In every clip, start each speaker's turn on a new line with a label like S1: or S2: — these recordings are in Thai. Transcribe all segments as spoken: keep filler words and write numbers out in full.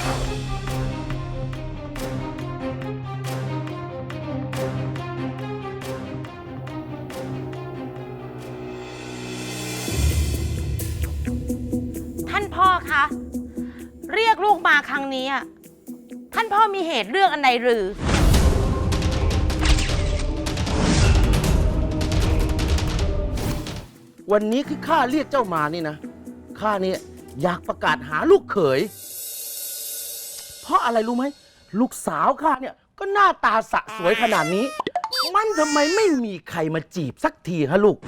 S1: ท่านพ่อคะเรียกลูกมาครั้งนี้ท่านพ่อมีเหตุเรื่องอันใดหรือ
S2: วันนี้คือข้าเรียกเจ้ามานี่นะข้าเนี่ยอยากประกาศหาลูกเขยเพราะอะไรรู้ไหมลูกสาวข้าเนี่ยก็หน้าตาสะสวยขนาดนี้มันทำไมไม่มีใครมาจีบสักทีฮะลูก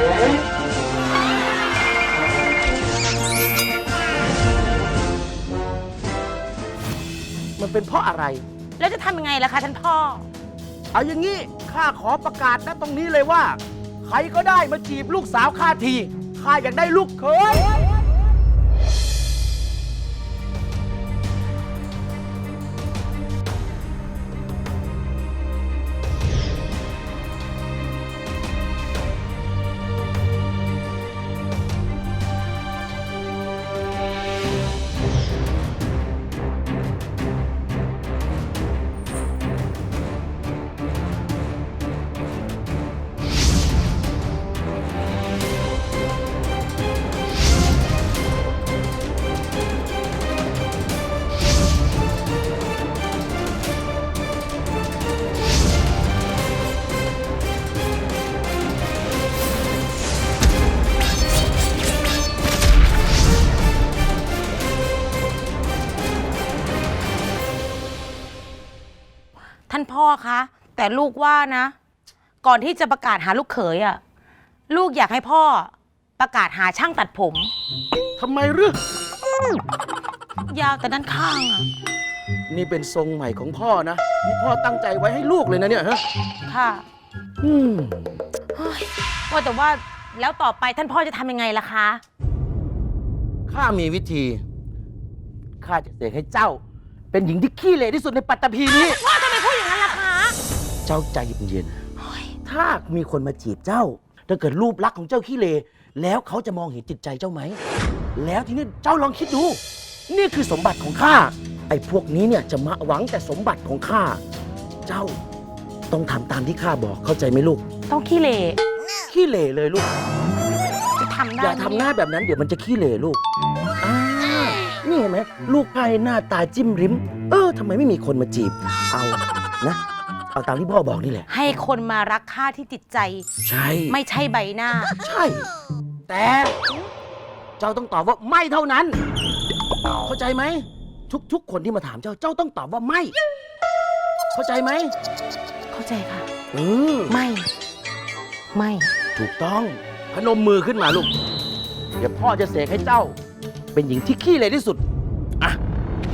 S2: มันเป็นเพราะอะไร
S1: แล้วจะทำยังไงล่ะคะท่านพ่อ
S2: เอาอย่างนี้ข้าขอประกาศณตรงนี้เลยว่าใครก็ได้มาจีบลูกสาวข้าทีข้าอยากได้ลูกเขย
S1: ท่านพ่อคะแต่ลูกว่านะก่อนที่จะประกาศหาลูกเขยอ่ะลูกอยากให้พ่อประกาศหาช่างตัดผม
S2: ทำไมหรื
S1: อยาวแต่ด้านข้างอ่ะ
S2: นี่เป็นทรงใหม่ของพ่อนะนี่พ่อตั้งใจไว้ให้ลูกเลยนะเนี่ยฮะ
S1: ค่ะ
S2: อืม
S1: ว่าแต่ว่าแล้วต่อไปท่านพ่อจะทำยังไงล่ะคะ
S2: ข้ามีวิธีข้าจะเสกให้เจ้าเป็นหญิงที่ขี้เหร่ที่สุดในปัตตภีนี้
S1: ว่าทำไมพูดอย่างนั้นล่ะคะ
S2: เจ้าใจเย็นๆถ้ามีคนมาจีบเจ้าถ้าเกิดรูปลักษณ์ของเจ้าขี้เหร่แล้วเขาจะมองเห็นจิตใจเจ้าไหมแล้วทีนี้เจ้าลองคิดดูนี่คือสมบัติของข้าไอ้พวกนี้เนี่ยจะมาหวังแต่สมบัติของข้าเจ้าต้องทำตามที่ข้าบอกเข้าใจไหมลูก
S1: ต้องขี้เหร่
S2: ขี้เหร่เลยลูก
S1: จะทำได้
S2: อย่าทำหน้าแบบนั้นเดี๋ยวมันจะขี้เหร่ลูกอ่านี่เห็นไหมลูกไพ่หน้าตาจิ้มริมเออทำไมไม่มีคนมาจีบเอานะเอาตามที่พ่อบอกนี่แหละ
S1: ให้คนมารักข้าที่จิตใจ
S2: ใช่
S1: ไม่ใช่ใบหน้า
S2: ใช่แต่เจ้าต้องตอบว่าไม่เท่านั้นเข้าใจไหมทุกๆคนที่มาถามเจ้าเจ้าต้องตอบว่าไม่เข้าใจไหม
S1: เข้าใจค่ะ
S2: เออ
S1: ไม่ไม่
S2: ถูกต้องพนมมือขึ้นมาลูกเดี๋ยวพ่อจะเสกให้เจ้าเป็นหญิงที่ขี้เหร่ที่สุดอ่ะ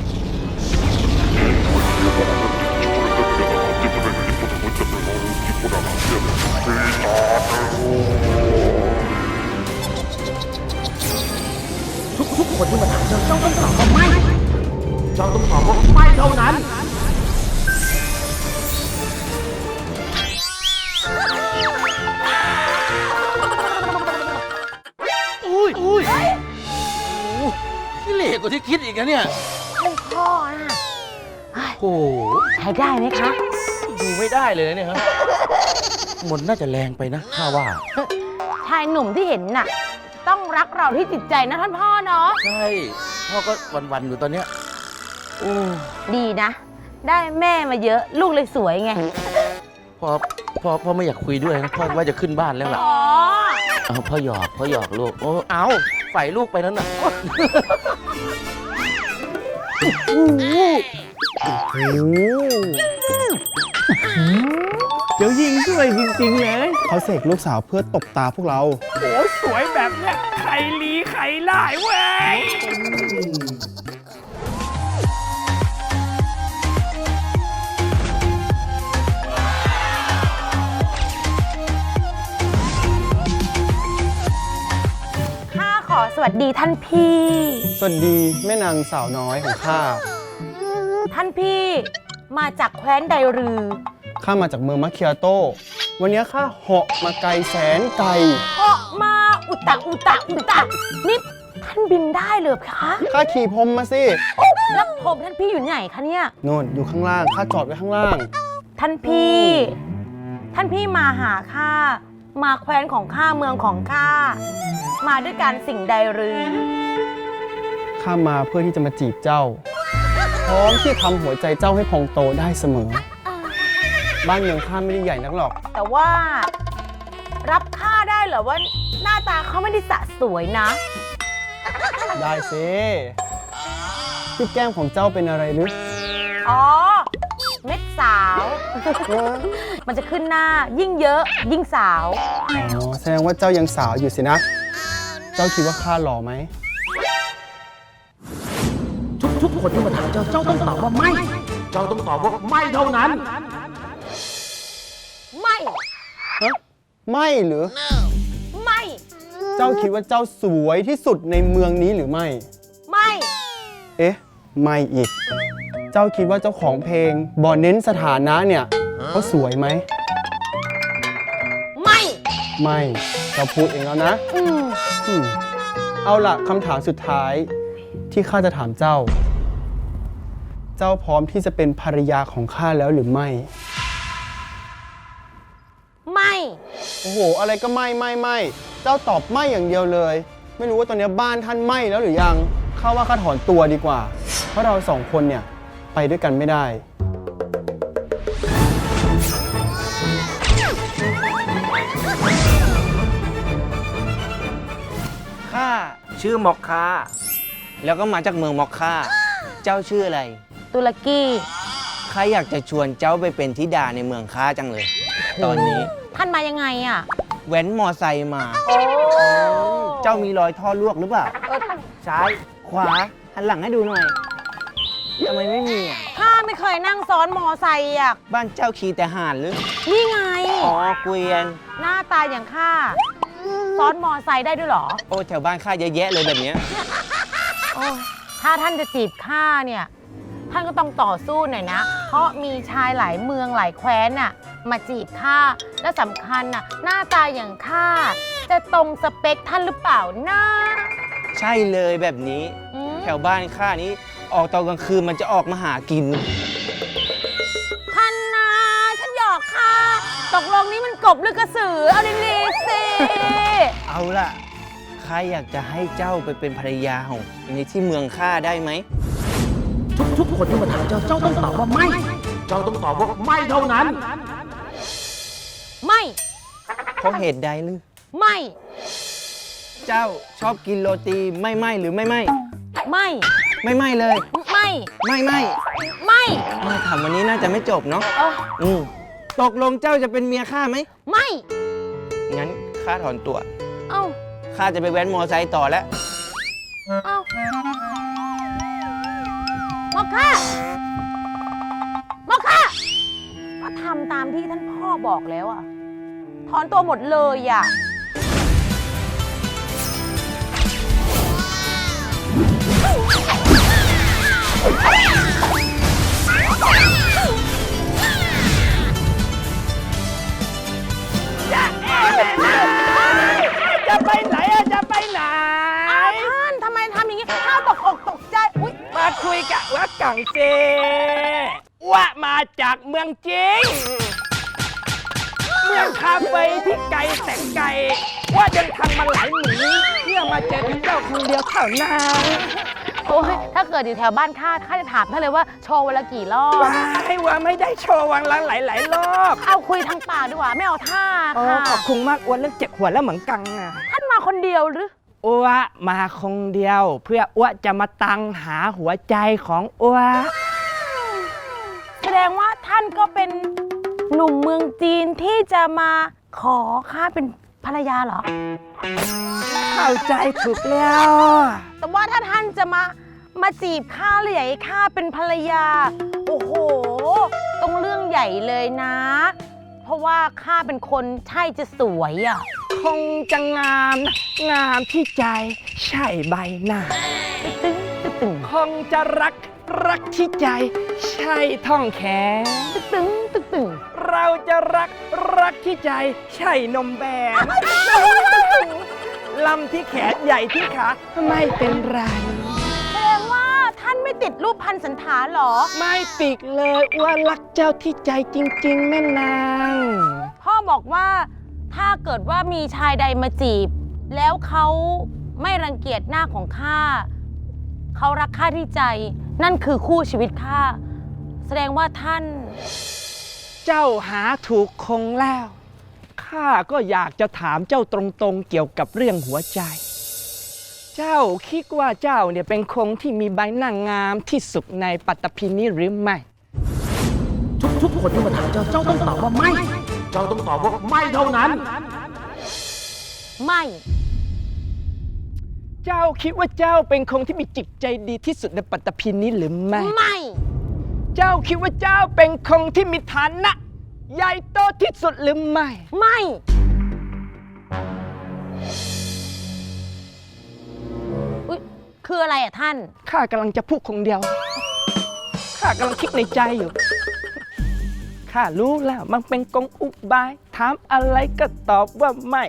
S2: ทุกๆคนที่มาถามเจ้าเจ้าต้องตอบว่าไม่เจ้าต้องตอบว่าไม่เท่านั้นอุ้ยอุ้ยขี้เหร่กว่าที่คิดอีกนะเนี่ย
S1: ท่านพ่อนะ
S2: โอ้
S1: ใช้ได้ไหมคะ
S2: ดูไม่ได้เลยเนี่ยครับมันน่าจะแรงไปนะข้าว่า
S1: ชายหนุ่มที่เห็นน่ะต้องรักเราที่จิตใจนะท่านพ่อเนาะ
S2: ใช่พ่อก็วันๆอยู่ตอนเนี้ยโอ้
S1: ดีนะได้แม่มาเยอะลูกเลยสวยไง
S2: พ่อพ่อพ่อไม่อยากคุยด้วยนะพ่อว่าจะขึ้นบ้านแล้วล่ะเอาพ่อหยอกพ่อหยอกลูกโอ้เอาใส่ลูกไปนั้นน่ะ
S3: เดี๋ยวยิงด้วยจริงๆเลยเขาเสกลูกสาวเพื่อตบตาพวกเรา
S4: โอ้สวยแบบเนี้ยใครลีใครไล่เว้ย
S1: สวัสดีท่านพี่
S3: สวัสดีแม่นางสาวน้อยของข้า
S1: ท่านพี่มาจากแคว้นใดหรือ
S3: ข้ามาจากเมืองมะเคียโตวันนี้ข้าเหาะมาไกลแสนไกล
S1: เหาะมาอุตะอุตะอุตะนี่ท่านานบินได้เลยคะ
S3: ข้าขี่พรมมาสิ
S1: แล้วผมท่านพี่อยู่ไหนคะเนี่ย
S3: โน่นอยู่ข้างล่าง ข้าจอดไว้ข้างล่าง
S1: ท่านพี่ ท่านพี่มาหาข้า มาแคว้นของข้าเมืองของข้า มาด้วยการสิ่งใดหรือ
S3: ข้ามาเพื่อที่จะมาจีบเจ้า พร้อมที่ทำหัวใจเจ้าให้พองโตได้เสมอ บ้านเมืองข้าไม่ได้ใหญ่นักหรอก
S1: แต่ว่า รับข้าได้เหรอว่าหน้าตาเขาไม่ได้สะสวยนะ
S3: ได้สิที่แก้มของเจ้าเป็นอะไรหรือ
S1: อ๋อ เม็ดสาว มันจะขึ้นหน้ายิ่งเยอะยิ่งสาว
S3: อ๋อ แสดงว่าเจ้ายังสาวอยู่สินะ เจ้าคิดว่าข้าหล่อไหม
S2: ทุกทุกคนที่มาถามเจ้า เจ้าต้องตอบว่าไม่ เจ้าต้องตอบว่าไม่เท่านั้น
S1: ไม่
S3: ฮะ ไม่หรือ
S1: ไม่
S3: เจ้าคิดว่าเจ้าสวยที่สุดในเมืองนี้หรือไม่
S1: ไม่
S3: เอ๊ะ ไม่อีก เจ้าคิดว่าเจ้าของเพลงบอเน้นสถานะเนี่ยเขาสวยไหม
S1: ไม่
S3: ไม่ เจ้าพูดเองแล้วนะ
S1: อืม
S3: อืมเอาล่ะคำถามสุดท้ายที่ข้าจะถามเจ้า เจ้าพร้อมที่จะเป็นภรรยาของข้าแล้วหรือไม่
S1: ไม่
S3: โอ้โห อะไรก็ไม่ไม่ไม่เจ้าตอบไม่อย่างเดียวเลย ไม่รู้ว่าตอนนี้บ้านท่านไหม้แล้วหรือยังข้าว่าข้าถอนตัวดีกว่า เพราะเราสองคนเนี่ยไปด้วยกันไม่ได้
S5: ข้าชื่อมอกคาแล้วก็มาจากเมืองมอกคาเจ้าชื่ออะไร
S1: ตุรกี
S5: ข้าอยากจะชวนเจ้าไปเป็นธิดาในเมืองข้าจังเลย ตอนนี้
S1: ท่านมายังไงอ่ะ
S5: แว้นมอไซค์มา
S1: โอ้
S5: เจ้ามีรอยท่อลวกหรือเปล่า
S1: เออ
S5: ซ้ายขวาหันหลังให้ดูหน่อยทำไมไม่มีอ่ะ
S1: ข้าไม่เคยนั่งซ้อนมอไซค์อ่ะ
S5: บ้านเจ้าขี่แต่ห่านหรือ
S1: นี่ไง
S5: อ๋อเกวียน
S1: หน้าตาอย่างข้า ซ้อนมอไซค์ได้ด้วยเหรอ
S5: โอ้แถวบ้านข้าเยอะแยะเลยแบบเนี้ย
S1: โอ้ยถ้าท่านจะจีบข้าเนี่ย ท่านก็ต้องต่อสู้หน่อยนะ เพราะมีชายหลายเมืองหลายแคว้นน่ะ มาจีบข้า และสำคัญน่ะ หน้าตาอย่างข้า จะตรงสเปคท่านหรือเปล่านะ
S5: ใช่เลยแบบนี้
S1: อืม
S5: แถวบ้านข้านี้ออกตอนกลางคืนมันจะออกมาหากิน
S1: ท่านนะฉันหยอกค่ะ ตกลงนี้มันกบหรือกระสือ เอาดีๆสิ
S5: เอาล่ะข้าอยากจะให้เจ้าไปเป็นภรรยาของในที่เมืองข้าได้ไหม
S2: ทุกทุกคนที่มาถามเจ้า เจ้าต้องตอบว่าไม่ เจ้าต้องตอบว่าไม่เท่านั้น
S1: ไม่
S5: เพราะเหตุใดหรือ
S1: ไม่
S5: เจ้าชอบกินโรตีไม่ไหมหรือไม่ไหม
S1: ไม่
S5: ไม่ไหมเลย
S1: ไม่
S5: ไม่ไหม
S1: ไม่
S5: เออถามวันนี้น่าจะไม่จบเนาะ
S1: เออ
S5: อืมตกลงเจ้าจะเป็นเมียข้าไหม
S1: ไม่
S5: งั้นข้าถอนตัว
S1: เอ้า
S5: ข้าจะไปแว้นมอไซค์ต่อแล้ว
S1: เอ้า มอคค่า มอคค่า ก็ทำตามที่ท่านพ่อบอกแล้วอะถอนตัวหมดเลยอะ
S4: จะไปไหนอะจะไปไหน
S1: อ้าวท่านทำไมทำอย่างนี้ข้าตกอกตกใจ อุ๊ย
S4: มาคุยกับว่ากังเจว่ามาจากเมืองจริง เมืองคาเฟ่ที่ไกลแสนไกลว่าเดินทางมาหลายหนีเพื่อมาเจอกับเจ้าคนเดียวเท่านั้น
S1: โอ้ยถ้าเกิดอยู่แถวบ้านข้าข้าจะถามท่านเลยว่าโชว์วันละกี่รอบ
S4: ว้ายว่าไม่ได้โชว์วังละหลายๆรอบ
S1: เอาคุยทางปากดีกว่าไม่เอาท่า
S4: โอ้
S1: ค่ะ
S4: ขอบคุณมากอ้วนเรื่องเจ็บหัวแล้วเหมือนกังอะ
S1: ท่านมาคนเดียวหรือ
S4: อ้วมาคงเดียว เพื่ออ้วจะมาตังหาหัวใจของอ้ว
S1: แสดงว่าท่านก็เป็นหนุ่มเมืองจีนที่จะมาขอข้าเป็นภรรยาเหรอ
S4: เข้าใจถูกแล้ว
S1: แต่ว่าถ้าท่านจะมามาจีบข้าหรืออยากให้ข้าเป็นภรรยา โอ้โห ต้องเรื่องใหญ่เลยนะ เพราะว่าข้าเป็นคนใช่จะสวยอ่ะ
S4: คงจะงามนะงามที่ใจใช่ใบหน้า
S1: ตึ้งตึ้งตึ้ง
S4: คงจะรักรักที่ใจใช่ท่องแขน
S1: ตึ้งตึ้งตึ้งตึ้ง
S4: เราจะรักรักที่ใจใช่นมแบนลำที่แขนใหญ่ที่ขาไม่เป็นไร
S1: แสดงว่าท่านไม่ติดรูปพันสันฐานเหรอ
S4: ไม่ติดเลยอ้วนรักเจ้าที่ใจจริง ๆ แม่นาง
S1: พ่อบอกว่าถ้าเกิดว่ามีชายใดมาจีบ แล้วเขาไม่รังเกียจหน้าของข้าเขารักข้าที่ใจ นั่นคือคู่ชีวิตข้าแสดงว่าท่าน
S4: เจ้าหาถูกคงแล้วข้าก็อยากจะถามเจ้าตรงๆเกี่ยวกับเรื่องหัวใจ เจ้าคิดว่าเจ้าเนี่ยเป็นคงที่มีใบหน้างามที่สุดในปัตตภีนี้หรือไม่
S2: ทุกทุกคนที่มาถามเจ้า เจ้าต้องตอบว่าไม่ เจ้าต้องตอบว่าไม่เท่านั้น
S1: ไม่
S4: เจ้าคิดว่าเจ้าเป็นคงที่มีจิตใจดีที่สุดในปัตตภีนี้หรือไม่
S1: ไม่
S4: เจ้าคิดว่าเจ้าเป็นคงที่มีฐานะ ใหญ่โตที่สุดหรือไม่
S1: ไม่ อุ๊ยคืออะไรอ่ะท่าน
S4: ข้ากำลังจะพูดคงเดียว ข้ากำลังคิดในใจอยู่ ข้ารู้แล้วมันเป็นกงอุบาย ถามอะไรก็ตอบว่าไม่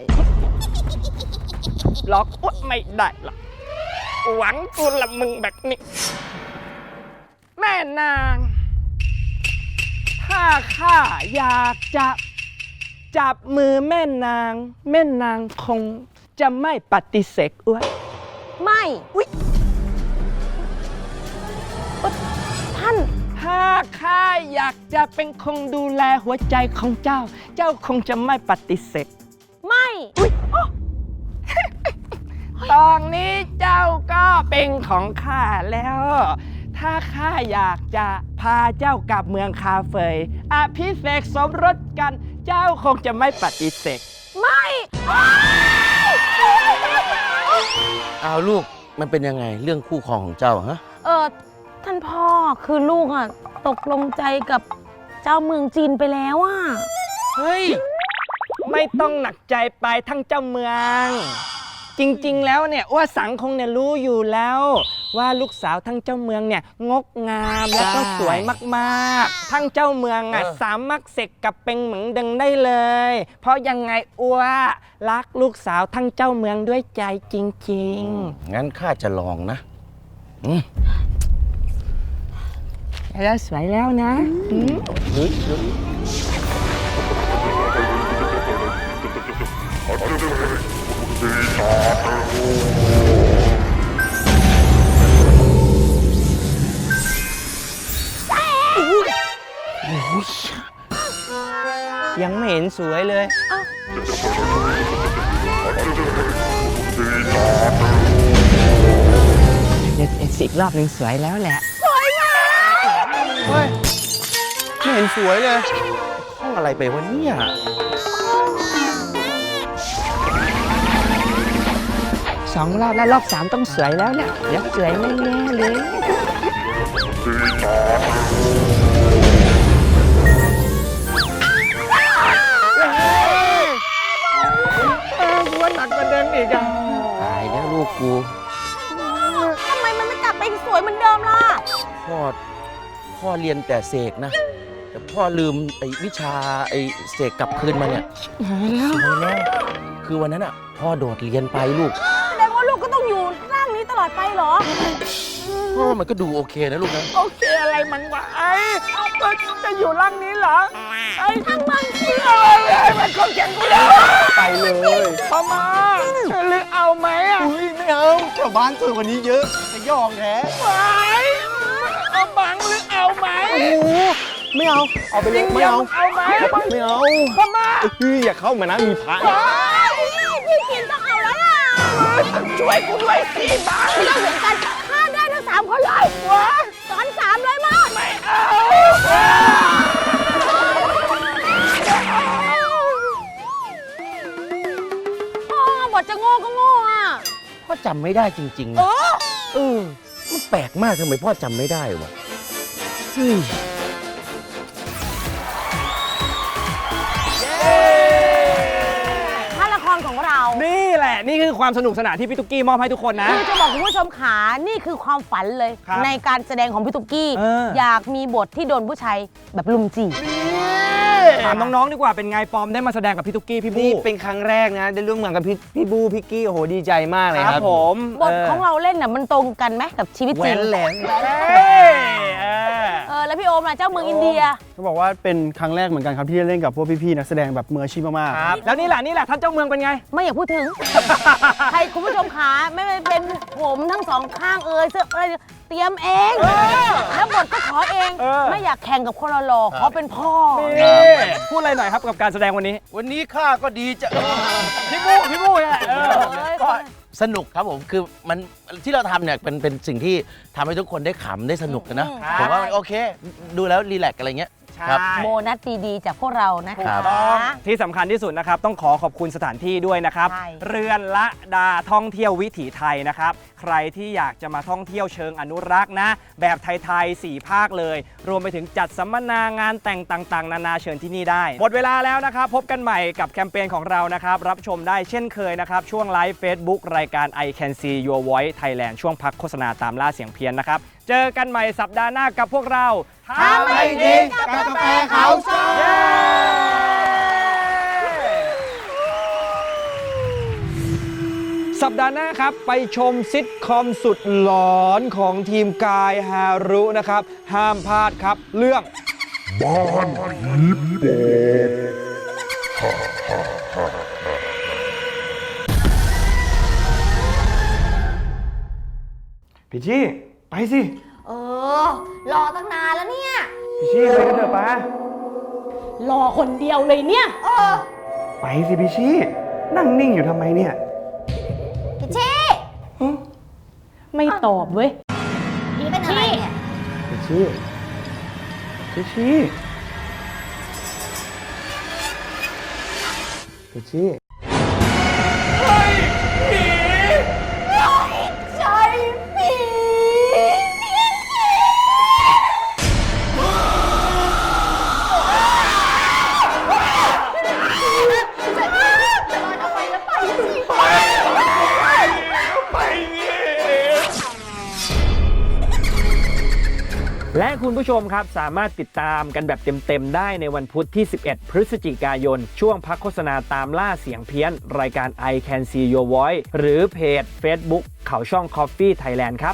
S4: หลอกอ้วนไม่ได้หรอก หวังตัวละมึงแบบนี้ แม่นาง ถ้าข้าอยากจะจับมือแม่นาง แม่นางคงจะไม่ปฏิเสธอ้วน
S1: ไม่ อุ๊ยเอ้อท่าน
S4: ถ้าข้าอยากจะเป็นคงดูแลหัวใจของเจ้า เจ้าคงจะไม่ปฏิเสธ
S1: ไม่
S4: ตอนนี้เจ้าก็เป็นของข้าแล้ว ถ้าข้าอยากจะพาเจ้ากลับเมืองคาเฟยอภิเษกสมรสกัน เจ้าคงจะไม่ปฏิเสธ
S1: ไม่
S2: เอาลูก มันเป็นยังไงเรื่องคู่ครองของเจ้าฮะ
S1: เออท่านพ่อคือลูกอ่ะ ตกลงใจกับเจ้าเมืองจีนไปแล้วอ่ะ
S4: เฮ้ย ไม่ต้องหนักใจไปทั้งเจ้าเมือง จริงๆ แล้วเนี่ยว่าสังคงเนี่ยรู้อยู่แล้ว ว่าลูกสาวทั้งเจ้าเมืองเนี่ยงกงามและก็สวยมากๆ ทั้งเจ้าเมืองอ่ะ
S2: เออ
S4: สามารถเสกกับเป็นเหมืองดึงได้เลย เพราะยังไงอ้วรักลูกสาวทั้งเจ้าเมืองด้วยใจจริง
S2: งั้นข้าจะลองนะ อืม
S4: ๆ แล้วสวยแล้วนะอืม
S2: เฮ้ยเฮ้ย
S5: ยังไม่เห็นสวยเลย
S4: เดี๋ยวอีกรอบหนึ่งสวยแล้วแหละ
S3: เฮ้ย ไม่เห็นสวยเลย
S2: ห้องอะไรไปวะเนี่ย
S4: สองรอบแล้วรอบสามต้องสวยแล้วเนี่ยเดี๋ยวสวยแน่ๆเลย เออกูว่าหนักกว่าเดิมอีกอ่ะ
S2: ตายแล้วลูกกู
S1: ทำไมมันไม่กลับไปสวยเหมือนเดิมล่ะ
S2: พ่อ พ่อเรียนแต่เสกนะ แต่พ่อลืมไอ้วิชาไอ้เสกกลับคืนมาเนี่ย
S4: หายแล้ว
S2: สวยแล้ว คือวันนั้นอ่ะ พ่อโดดเรียนไปลูก
S1: แสดงว่าลูกก็ต้องอยู่ร่างนี้ตลอดไปเหรอ
S2: พ่อมันก็ดูโอเคนะลูกนะ
S4: โอเคอะไรมันวะไอ้ก็จะอยู่ร่างนี้เหรอ ไอ้ทั้งมันเชื่ออะไรไอ้มันคนแข่งกูแล้ว
S3: ไปเลย
S4: พอมาหรือเอาไหมอ่ะ
S3: อุ้ยไม่เอาแถวบ้านสวยกว่านี้เยอะจะยองแท้
S4: ไหวเอาบังหรือเอาไหม
S3: โอ้โหไม่เอา เอาไปเลยไม่เอา
S4: เอาไหม
S3: ไม่เอา
S4: พอมา
S3: เฮ้ยอย่าเข้ามานะมีพระ
S1: พี่กินต้องเอาแล้วล่ะ
S4: ช่วยกูด้วยสิบัง
S1: เราเหมือนกันฆ่าได้ทั้งสามคนเลยสอนสามเลยมั้ง
S4: ไม่เอา
S1: พ่อบทจะโง่ก็โง่อ่ะ
S2: พ่อจำไม่ได้จริงๆนะเออ มันแปลกมากทำไมพ่อจำไม่ได้วะเฮ้ย
S1: ถ้าละครของเรา
S4: นี่แหละ นี่คือความสนุกสนานที่พี่ตุ๊กกี้มอบให้ทุกคนนะ
S1: คือจะบอกคุณผู้ชมขานี่คือความฝันเลย
S4: ครับ
S1: ในการแสดงของพี่ตุ๊กกี้
S4: เอออ
S1: อยากมีบทที่โดนผู้ชายแบบลุมจีบ
S4: นี่ถามน้องๆดีกว่าเป็นไงปอมได้มาแสดงกับพี่ตุ๊กกี้พี่บู
S5: นี่เป็นครั้งแรกนะ ได้ร่วมงานกับพี่พี่บูพี่กี้โอ้โหดีใจมากเลย
S4: ค
S5: ค
S4: รั
S5: รั
S4: บบ ผม
S1: บทของเราเล่นน่ะมันตรงกันไหมกับชีวิต
S5: แหว
S1: จริง
S5: นแหลม
S4: เฮ้ยเออ
S1: เออแล้วพี่โอมล่ะเจ้าเมืองอินเดีย
S3: เขาบอกว่าเป็นครั้งแรกเหมือนกันครับที่ได้เล่นกับพวกพี่ๆนักแสดงแบบมืออาชีพมาก
S4: ครับแล้วนี่แหละนี่แหละท่านเจ้าเมืองเป็นไง
S1: ไม่อยากพูดถึง ใครคุณผู้ชมขาไม่ว่าเป็นผมทั้งสองข้างเอ่ยเสื้ออะไรเตรียมเอง
S4: เออ
S1: แล้วบทก็ขอเอง
S4: เออ
S1: ไม่อยากแข่งกับคนหล่อๆขอเป็นพ่อ
S4: นี่พูดอะไรหน่อยครับกับการแสดงวันนี้
S2: วันนี้ข้าก็ดีจะ
S4: พี่บูพี่บูเนี่ยเออ
S1: เอ้ย
S2: ก็สนุกครับผมคือมันที่เราทำเนี่ยเป็นเป็นสิ่งที่ทำให้ทุกคนได้ขำได้สนุกกันนะ
S4: ครับ
S2: ผมว่ามันโอเค ดูแล้วรีแลกซ์อะไรเงี้ย
S4: ใช่
S2: ครับ
S1: โบนัสดีๆจากพวกเรานะ
S2: ครั
S1: คะ
S2: บ
S4: ต้องที่สำคัญที่สุดนะครับ ต้องขอขอบคุณสถานที่ด้วยนะครับ
S1: ใช่
S4: เรือนละดาท่องเที่ยววิถีไทยนะครับ ใครที่อยากจะมาท่องเที่ยวเชิงอนุรักษ์นะ แบบไทยๆสี่ภาคเลย รวมไปถึงจัดสัมมนางานแต่งต่างๆ นานาเชิญที่นี่ได้ หมดเวลาแล้วนะครับ พบกันใหม่กับแคมเปญของเรานะครับ รับชมได้เช่นเคยนะครับ ช่วงไลฟ์ Facebook รายการ I Can See Your Voice Thailand ช่วงพักโฆษณาตามล่าเสียงเพี้ยนนะครับ เจอกันใหม่สัปดาห์หน้ากับพวกเรา
S1: ทำให้ดีกับกาแฟเขาซอย
S4: เย้สัปดาห์หน้าครับ ไปชมซิทคอมสุดหลอนของทีมกายฮารุนะครับ ห้ามพลาดครับ เรื่อง
S3: พี่ชี่ไปสิ
S1: เออ รอตั้งนานแล้วเนี่ย
S3: พี่ชี่ไปกันเถอะป้าร
S1: อคนเดียวเลยเนี่ย เออ
S3: ไปสิพี่ชี่นั่งนิ่งอยู่ทำไมเนี่ย
S1: พี่ชี่ไม่ตอบเว้ยพี่เป็นอะไรเนี่ย
S3: พี่ชี่พี่ชี่พี่ชี่
S1: ใช่ผี
S4: และคุณผู้ชมครับสามารถติดตามกันแบบเต็มๆได้ในวันพุธที่ สิบเอ็ด พฤศจิกายน ช่วงพักโฆษณาตามล่าเสียงเพี้ยน รายการ I Can See Your Voice หรือเพจ Facebook เขาช่อง Coffee Thailand ครับ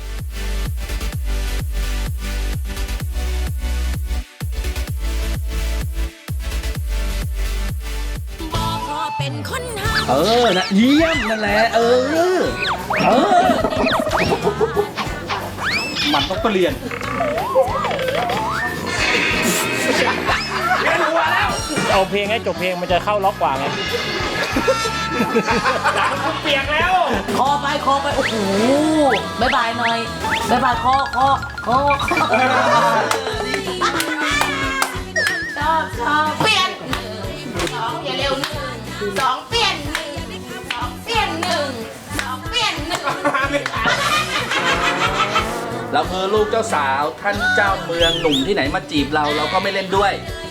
S6: บอกขอเป็นคนหา
S2: เออนะเยี่ยมนั่นแหละ เออ เออ มันต้องเปลี่ยน
S7: เอาเพลงให้จบเพลงมันจะเข้าล็อกกว่าไง
S4: เปียกแล้ว
S8: คอไปคอไป โอ้โหบายบายหน่อยบายบายคอคอคอชอบชอบ
S6: เปลี่ยนสองอย่าเร็วหนึ่งสองเปลี่ยนหนึ่งสองเปลี่ยนหนึ่งสองเปลี่ยนหนึ่ง
S9: เราคือลูกเจ้าสาวท่านเจ้าเมืองหนุ่มที่ไหนมาจีบเราเราก็ไม่เล่นด้วย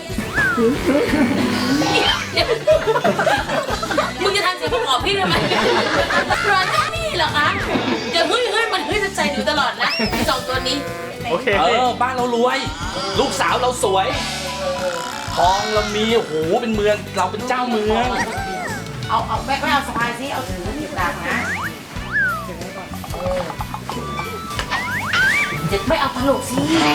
S6: มึงจะทำเสียงประกอบพี่ทำไมร้อนแค่นี้เหรอคะเดี๋ยวเฮ้ยเฮ้ยมันเฮ้ยจะใจหนูตลอดนะไอ้สองตัวนี้
S4: โอเค
S9: เออ บ้านเรารวย ลูกสาวเราสวย ทองเรามีโอ้โหเป็นเมืองเราเป็นเจ้าเมือง
S6: เอาเอาแม่ไม่เอาสะพายสิเอาถือหยิบดังนะเด็กไม่เอาตลกสิ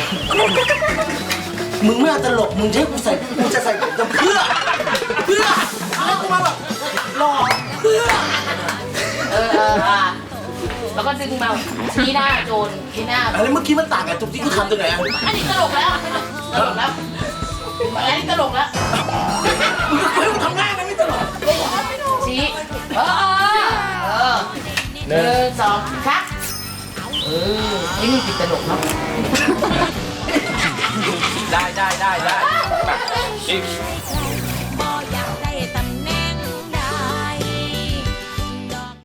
S2: มึงไม่เอาตลก มึงใช้กูใส่กูจะใส่จะเพื่อ เพื่อเอากูมาแบบหล่อเพื่อ
S6: เออเอออ่ะแล้วก็ดึงมาชี้หน้าโจรชี้หน้า
S2: อะไรเมื่อกี้มันต่างกับจุดที่กูทำตรงไหนอะ
S6: อันนี้ตลกแล้วตลกแล้วอันนี้ตลกแล้ว
S2: มึงก็เคยทำง่ายมันไม่ตลก
S6: ชี้เออเออหนึ่งสองครับเออไอ้นี่ติดตลกเนาะ
S9: ได้ได้ได้ได้อีก